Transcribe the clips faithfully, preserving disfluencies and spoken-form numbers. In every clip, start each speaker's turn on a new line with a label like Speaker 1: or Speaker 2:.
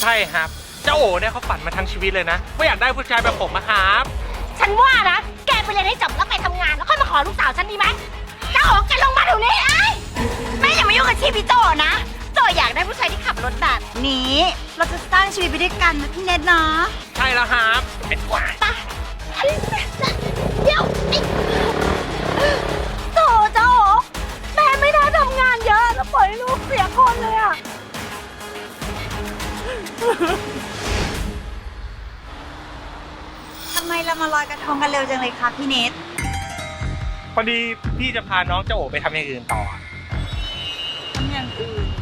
Speaker 1: ใช่ครับเจ้าโอ๋เนี่ยเขาฝันมาทั้งชีวิตเลยนะว่าอยากได้ผู้ชายแบบผมนะครับ
Speaker 2: ฉันว่านะแกไปเรียนให้จบแล้วไปทำงานแล้วค่อยมาขอลูกสาวฉันดีไหมเจ้าโอ๋แกลงมาเดี๋ยวนี้ไอ้แม่อย่ามายุ่งกับชีวิตพี่โจนะโจอยากได้ผู้ชายที่ขับรถแบบนี้เราจะสร้างชีวิตไปด้วยกันนะพี่เน็ตเนาะ
Speaker 1: ใช่แล้วครับเป็นกว่า
Speaker 2: ไปเดี๋ยวไอ้โจเจ้าโอ๋แม่ไม่ได้ทำงานเยอะแล้วปล่อยให้ลูกเสียคนเลยอะ
Speaker 3: ทำไมเรามาลอยกระทงกันเร็วจังเลยคะพี่เนท
Speaker 1: พอดีพี่จะพาน้องเจ้าโอ๋ไปทำอย่างอื่นต่อ
Speaker 3: ทำอย่างอื่น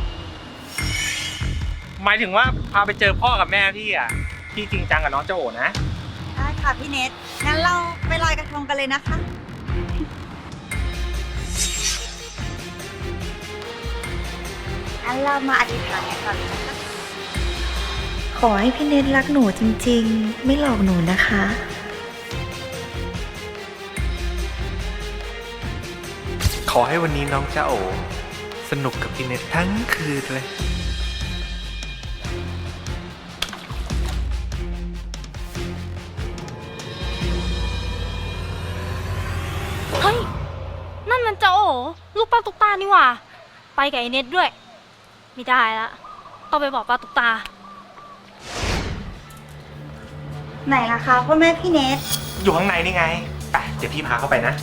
Speaker 1: หมายถึงว่าพาไปเจอพ่อกับแม่พี่อ่ะพี่จริงจังกับน้องเจ้าโอ๋นะ
Speaker 3: ได้ค่ะพี่เนทงั้นเราไปลอยกระทงกันเลยนะคะงั้นเรามาอธิษฐานกันก่อนนะคะ
Speaker 4: ขอให้พี่เนทรักหนูจริงๆ ไม่หลอกหนูนะคะ
Speaker 1: ขอให้วันนี้น้องเจ้าโอ๋สนุกกับพี่เน็ตทั้งคืนเลย
Speaker 5: เฮ้ย นั่นมันเจ้าโอ๋ลูกป้าตุ๊กตานี่หว่า ไปกับไอเน็ตด้วย ไม่ได้ละต้องไปบอกป้าตุ๊กตา
Speaker 3: ไหนล่ะคะพ่อแม่พี่เนท
Speaker 1: อยู่ข้างในนี่ไงไปเดี๋ยวพี่พาเข้าไปนะ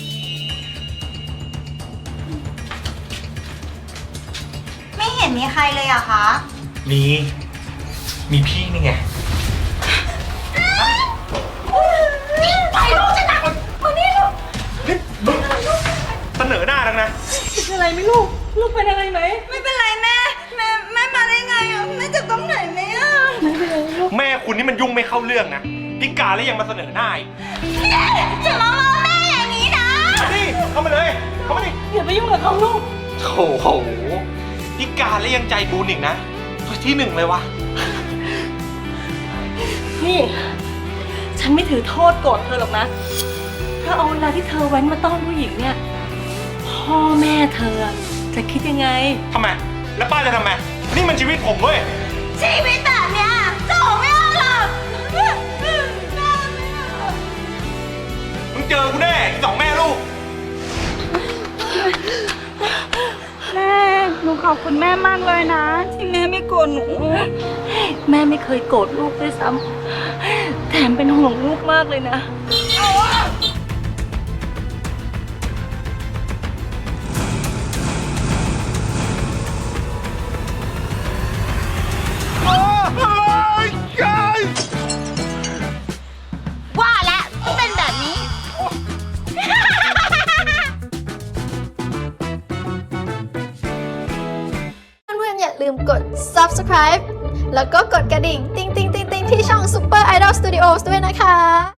Speaker 3: ไม่เห็นมีใครเลยอะคะ
Speaker 1: มี มีพี่นี่ไง
Speaker 2: ไปลูกฉันนะมานี่ลูก
Speaker 1: นี่มึงเสนอหน้าดังนะ
Speaker 2: เป็นอะไรไหมลูกลูกเป็นอะไรไหม
Speaker 3: ไม่เป็นไรแม่แม่แม่มาได้ไงอะแม่เจ็บตรงไหนไหมอะ
Speaker 1: แม่คุณนี่มันยุ่งไม่เข้าเรื่องนะพิการแล้วยังมาเสนอหน้าอีก
Speaker 2: จะมาล้อแม่อย่างนี้นะ
Speaker 1: มาดิเข้ามาเลย เข้ามาดิ
Speaker 2: อย่าไปยุ่งกับเขาลูก
Speaker 1: โอ้โหพิการแล้วยังใจบุญอีกนะที่หนึ่งเลยวะ
Speaker 6: นี่ ฉันไม่ถือโทษโกรธเธอหรอกนะเพราะเอาเวลาที่เธอแว้นมาต้อนผู้หญิงเนี่ย พ่อแม่เธอจะคิดยังไง
Speaker 1: ทำไม แล้วป้าจะทำไม นี่มันชีวิตผมเว้ย
Speaker 2: ชีวิตแบบเนี้ยโจไม่เอาหรอก
Speaker 1: มึงเจอกูแน่อีกสองแม่ลูก
Speaker 6: แม่หนูขอบคุณแม่มากเลยนะ ที่แม่ไม่โกรธหนู แม่ไม่เคยโกรธลูกด้วยซ้ำแถมเป็นห่วงลูกมากเลยนะ
Speaker 2: ว่าแล้วเป็นแบบนี้
Speaker 7: เพื่อนๆอย่าลืมกด ซับสไครบ์ แล้วก็กดกระดิ่ง ติ๊งติ๊งติ๊งติ๊งที่ช่อง Super Idol Studios ด้วยนะคะ